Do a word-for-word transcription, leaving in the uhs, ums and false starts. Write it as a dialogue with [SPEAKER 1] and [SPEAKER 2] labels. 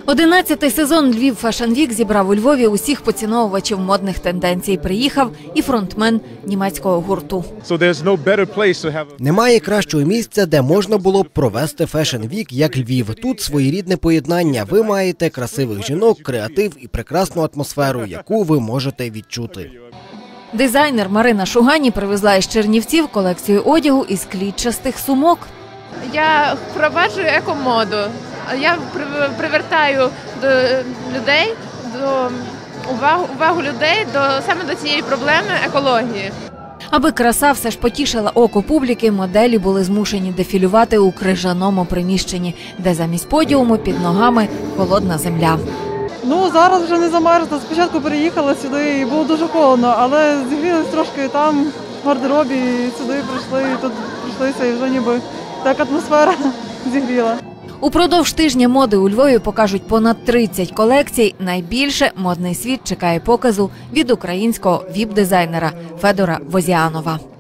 [SPEAKER 1] Одинадцятий сезон Львів Fashion Week зібрав у Львові усіх поціновувачів модних тенденцій. Приїхав і фронтмен німецького гурту.
[SPEAKER 2] Немає кращого місця, де можна було б провести Fashion Week, як Львів. Тут своєрідне поєднання. Ви маєте красивих жінок, креатив і прекрасну атмосферу, яку ви можете відчути.
[SPEAKER 1] Дизайнер Марина Шугані привезла із Чернівців колекцію одягу із клітчастих сумок.
[SPEAKER 3] Я впроваджую екомоду. Я привертаю до людей, до увагу, увагу людей до саме до цієї проблеми екології.
[SPEAKER 1] Аби краса все ж потішила око публіки, моделі були змушені дефілювати у крижаному приміщенні, де замість подіуму під ногами холодна земля.
[SPEAKER 4] Ну, зараз вже не замерзла. Спочатку переїхала сюди і було дуже холодно, але зігрілись трошки там, в гардеробі, і сюди прийшли, і тут прийшлися, і вже ніби так атмосфера зігріла.
[SPEAKER 1] Упродовж тижня моди у Львові покажуть понад тридцять колекцій. Найбільше модний світ чекає показу від українського віп-дизайнера Федора Возіанова.